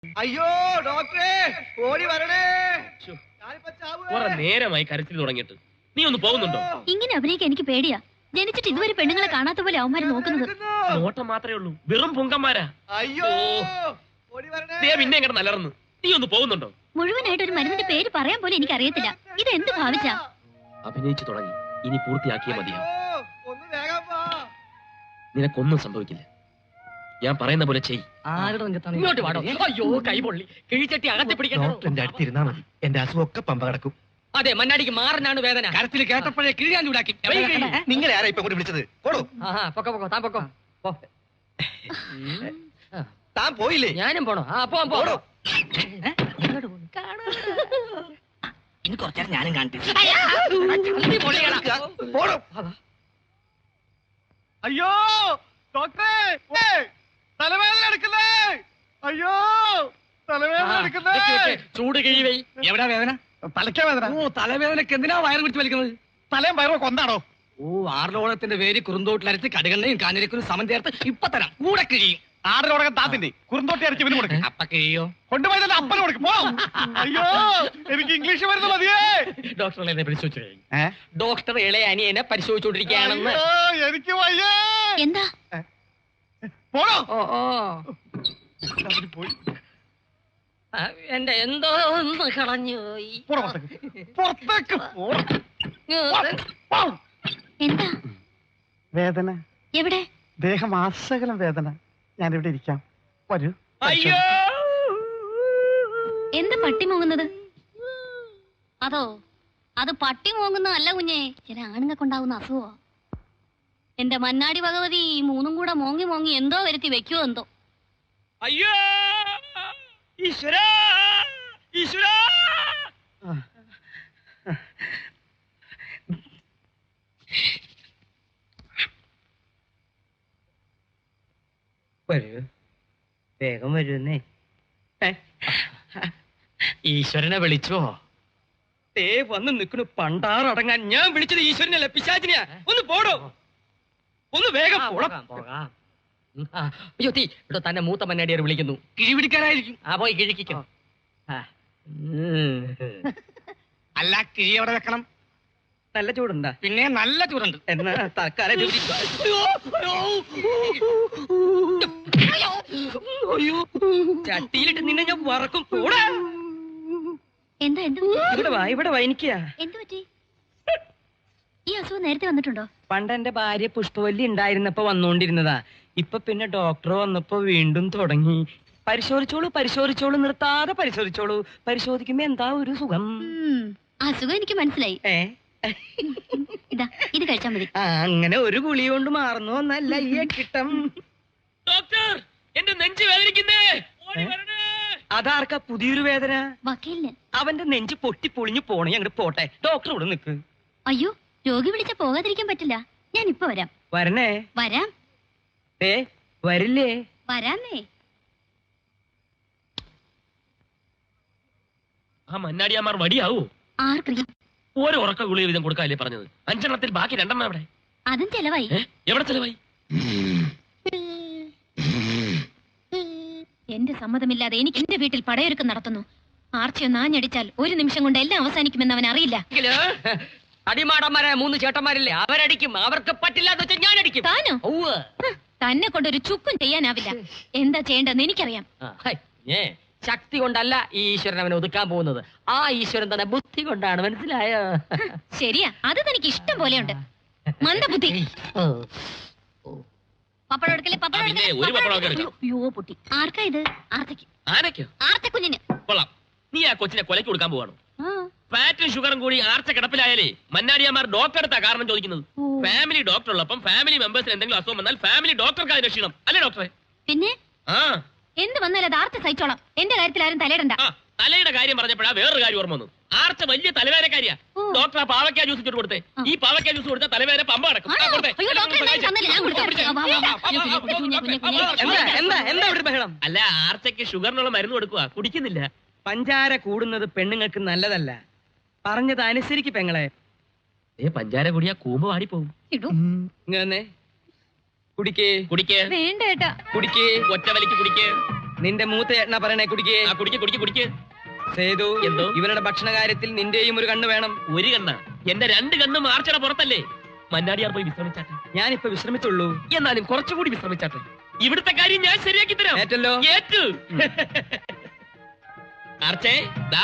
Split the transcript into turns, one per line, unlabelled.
അയ്യോ ഡോക്ടറെ ഓടി വരണേ.
കുറെ നേരമായി കരച്ചിൽ തുടങ്ങിയിട്ട്. നീ ഒന്ന് പോകുന്നുണ്ടോ?
ഇങ്ങനെ അഭിനയിക്കാൻ എനിക്ക് പേടിയാ. ജനിച്ചിട്ട് ഇതുവരെ പെണ്ണുങ്ങളെ കാണാത്ത പോലെ അവന്മാര് നോക്കുന്നത്.
നോട്ടം മാത്രമേ ഉള്ളൂ, വെറും പൊങ്കന്മാരാ.
അയ്യോ ഓടി വരണേ.
ദേ പിന്നെ എങ്ങനെ നലർന്നു. നീ ഒന്ന് പോകുന്നുണ്ടോ?
മുഴുവനായിട്ട് ഒരു മരുന്നിന്റെ പേര് പറയാൻ പോലും എനിക്ക് അറിയത്തില്ല. ഇത് എന്ത് ഭാവിച്ചാ?
അഭിനയിച്ചു തുടങ്ങി, ഇനി പൂർത്തിയാക്കിയേ മതിയാവും.
ഒന്ന് വേഗം വാ.
നിനക്കൊന്നും സംഭവിക്കില്ല. ഞാൻ പറയുന്ന പോലെ ചെയ്.
ഇങ്ങോട്ട് വാടോ. അയ്യോ കൈ പൊള്ളി. കിഴിച്ചട്ടി അകത്തി പിടിക്കണോ?
ഡോക്ടറിന്റെ അടുത്തിരുന്നാ മതി, എന്റെ അസുഖമൊക്കെ പമ്പ കിടക്കും.
അതെ, മണ്ണാടിക്ക് മാറിനാണ് വേദന.
കരത്തിൽ കേട്ടപ്പോഴേ കിഴിയാൻ ചൂടാക്കി. നിങ്ങളെ ആരാ ഇപ്പൊ കൂടി വിളിച്ചത്? പോടോ.
പൊക്കോ താൻ പൊക്കോ.
താൻ പോയില്ലേ?
ഞാനും പോണോ? പോടോ.
ഇനി കുറച്ചേരം ഞാനും കാണട്ടെ. അയ്യോ ഡോക്ടറെ, തലവേദന എടുക്കുന്നേ. അയ്യോ തലവേദന എടുക്കുന്നേ.
ചൂട് കിഴിവൈ.
എവിടാ വേദന? തലയ്ക്കാ വേദന. ഓ, തലവേദനക്ക് എന്തിനാ വയറ് പിടിച്ച് വലിക്കുന്നത്? തലയും വയറൊക്കെ ഒന്നാണോ? ഓ, ആറിലോളത്തിന്റെ പേര് കുറുന്തോട്ടിലരച്ച് കടുകണ്ണയും കാഞ്ഞിരക്കും സമം ചേർത്ത് ഇപ്പൊ തരാം. കൂടെ കിഴിയും. ആറിലോടകം താത്തിന്റെ കുറുന്തോട്ടി അരച്ച് ഇവന് കൊടുക്കും.
അപ്പ കിഴിയോ?
കൊണ്ടുപോയതല്ല അപ്പന് കൊടുക്കും. അയ്യോ എനിക്ക് ഇംഗ്ലീഷ് മരുന്ന് മതിയേ.
ഡോക്ടറെ പരിശോധിച്ചു കഴിഞ്ഞു. ഡോക്ടർ ഇളയ അനിയനെ പരിശോധിച്ചുകൊണ്ടിരിക്കുകയാണെന്ന്.
എനിക്ക് വയ്യേ.
എന്താ?
പോണോ? പോയി.
എന്റെ എന്തോ ഒന്ന് കളഞ്ഞു പോയി.
പുറത്തേക്ക്
എന്താ
വേദന?
എവിടെ?
ദേഹം ആസകലം വേദന. ഞാനിവിടെ ഇരിക്കാം, വരൂ.
അയ്യോ
എന്താ പട്ടി മോങ്ങുന്നത്? അതോ അത് പട്ടി മോങ്ങുന്നതല്ല കുഞ്ഞെ, ചില ആണുങ്ങൾക്കുണ്ടാവുന്ന അസുഖോ. എന്റെ മന്നാടി ഭഗവതി മൂന്നും കൂടെ മോങ്ങി മോങ്ങി എന്തോ വരുത്തി വെക്കുവോ എന്തോ.
അയ്യോ ഈശ്വരാ, ഈശ്വരാ.
വരൂ, വേഗം വരുന്നേ. ഈശ്വരനെ വിളിച്ചോ? തേ വന്ന് നിൽക്കണു പണ്ടാറടങ്ങാൻ. ഞാൻ വിളിച്ചത് ഈശ്വരനല്ല, പിശാചിനെയാ. ഒന്ന് പോടോ, ഒന്ന് വേഗം പോകാം. അയ്യോ തീ ഇവിടെ തന്നെ മൂത്ത മന്നാടിയാർ വിളിക്കുന്നു.
കിഴി പിടിക്കാനായിരിക്കും.
പോയി കിഴിക്കോ.
അല്ല, കിഴി എവിടെ വെക്കണം?
നല്ല ചൂടുണ്ടാ?
പിന്നെ നല്ല ചൂടുണ്ട്.
എന്നാ തൽക്കാലം ചട്ടിയിലിട്ട് നിന്നെ ഞാൻ വറക്കും. കൂടെ
എന്താ എന്ത്
ഇവിടെ വാ എനിക്കാ.
എന്ത് പറ്റി? ഈ അസുഖം നേരത്തെ വന്നിട്ടുണ്ടോ?
പണ്ട് എന്റെ ഭാര്യ പുഷ്പവല്ലി ഉണ്ടായിരുന്നപ്പോ വന്നോണ്ടിരുന്നതാ. ഇപ്പൊ പിന്നെ ഡോക്ടർ വന്നപ്പോ വീണ്ടും തുടങ്ങി. പരിശോധിച്ചോളൂ നിർത്താതെ പരിശോധിച്ചോളൂ. പരിശോധിക്കുമ്പോ എന്താ ഒരു സുഖം.
അസുഖം എനിക്ക് മനസ്സിലായി. ഇതാ ഇത് കഴിച്ചാൽ മതി.
അങ്ങനെ ഒരു ഗുളി കൊണ്ട് മാറുന്നു എന്നല്ല ഈ കിട്ടം.
ഡോക്ടർ, എന്റെ നെഞ്ച് വേദനിക്കുന്നേ.
അതാർക്കാ പുതിയൊരു വേദന?
വക്കീലിന്.
അവന്റെ നെഞ്ച് പൊട്ടി പൊളിഞ്ഞു പോണേ. അങ്ങോട്ട് പോട്ടെ, ഡോക്ടർ ഇവിടെ നിക്ക്.
അയ്യോ, രോഗി വിളിച്ച പോകാതിരിക്കാൻ പറ്റില്ല. ഞാൻ ഇപ്പൊ വരാം.
വരണേ?
വരാം.
വരില്ലേ?
വരാന്നേ.
ആ മന്നാടിയാമാർ വടിയാവൂ?
ആർക്കറിയാം.
ഓരോ ഉറക്ക ഗുളിക വീതം കൊടുക്കാല്ലേ പറഞ്ഞത്? 5 എണ്ണത്തിൽ ബാക്കി 2 എണ്ണം എവിടെ?
അതും ചെലവായി.
എവിടെ ചെലവായി?
എന്റെ സമ്മതമില്ലാതെ എനിക്ക് എന്റെ വീട്ടിൽ പടയൊരുക്കം നടത്തുന്നു. ആർച്ചയൊന്ന് ആഞ്ഞടിച്ചാൽ 1 നിമിഷം കൊണ്ട് എല്ലാം അവസാനിക്കുമെന്ന് അവൻ അറിയില്ല.
അടിമാടന്മാരെ 3 ചേട്ടന്മാരില്ലേ, അവരടിക്കും. അവർക്ക് പറ്റില്ലാന്ന് വെച്ചാൽ ഞാൻ അടിക്കും.
താനോ? തന്നെ കൊണ്ടൊരു ചുക്കും ചെയ്യാനാവില്ല. എന്താ ചെയ്യേണ്ടതെന്ന് എനിക്കറിയാം.
ശക്തി കൊണ്ടല്ല ഈ ഈശ്വരൻ അവനെ ഒതുക്കാൻ പോകുന്നത്. ആ ഈശ്വരൻ തന്നെ ബുദ്ധി കൊണ്ടാണ്. മനസ്സിലായോ?
ശരിയാ, അത് തനിക്ക് ഇഷ്ടം പോലെയുണ്ട്. മന്ദബുദ്ധി. പപ്പടം എടുക്കലേ, പപ്പടം എടുക്കലേ. അയ്യോ പൊട്ടി. ആർക്കാ ഇത്? ആർത്തയ്ക്ക്.
ആനയ്ക്കോ?
ആർത്തക്കുഞ്ഞിന്.
കൊള്ളാം. നീ ആ കൊച്ചിനെ കൊലയ്ക്ക് കൊടുക്കാൻ പോവാണോ? ഫാറ്റും ഷുഗറും കൂടി ആർച്ച കിടപ്പിലായാലേ മന്നാടിയാമാർ ഡോക്ടർ എടുത്താ കാരണം ചോദിക്കുന്നത്. ഫാമിലി ഡോക്ടർ ഉള്ളപ്പം ഫാമിലി മെമ്പേഴ്സിന് എന്തെങ്കിലും അസുഖം വന്നാൽ ഫാമിലി ഡോക്ടർക്ക് അത് രക്ഷിക്കണം, അല്ലേ ഡോക്ടറെ?
പിന്നെ എന്ത് വന്നാലും അത് ആർച്ച സഹിച്ചോളാം. എന്റെ കാര്യത്തിൽ ആരും തലയിടണ്ട.
തലയുടെ കാര്യം പറഞ്ഞപ്പോഴാ വേറൊരു കാര്യം ഓർമ്മ വന്നു. ആർച്ച വലിയ തലവേദനക്കാരിയാ. ഡോക്ടർ ആ പാവയ്ക്ക ജ്യൂസ് ഇട്ട് കൊടുത്തേ. ഈ പാവയ്ക്ക ജ്യൂസ് കൊടുത്താൽ തലവേദന പമ്പ നടക്കും. അല്ല, ആർച്ചയ്ക്ക് ഷുഗറിനുള്ള മരുന്ന് കൊടുക്കുക, കുടിക്കുന്നില്ല.
പഞ്ചാര കൂടുന്നത് പെണ്ണുങ്ങൾക്ക് നല്ലതല്ല. പറഞ്ഞത് അനുസരിക്ക് പെങ്ങളെ.
പഞ്ചാര കുടിയാ കൂമ്പ് വാടിപ്പോവും.
ഇങ്ങനെ കുടിക്കേ.
കുടിക്കേ.
വേണ്ട ഏട്ടാ.
കുടിക്കേ.
ഒറ്റ വലിക്ക് കുടിക്കേ.
നിന്റെ മൂത്ത ചേട്ടനാ പറയണേ കുടിക്കേ.
ആ കുടിക്ക് കുടിക്ക് കുടിക്ക്.
സേതു,
എന്തോ?
ഇവരുടെ ഭക്ഷണ കാര്യത്തിൽ നിന്റെയും ഒരു കണ്ണ് വേണം.
ഒരു കണ്ണ എന്റെ 2 കണ്ണും ആർച്ചട പുറത്തല്ലേ. മന്നാടിയാർ പോയി വിശ്രമിച്ചാട്ടെ.
ഞാനിപ്പോ വിശ്രമിച്ചുള്ളൂ.
എന്നാലും കുറച്ചുകൂടി വിശ്രമിച്ചാട്ടെ. ഇവിടുത്തെ കാര്യം ഞാൻ ശരിയാക്കി തരാം.
ഏറ്റല്ലോ.
ഏറ്റു. ആർച്ചേ ദാ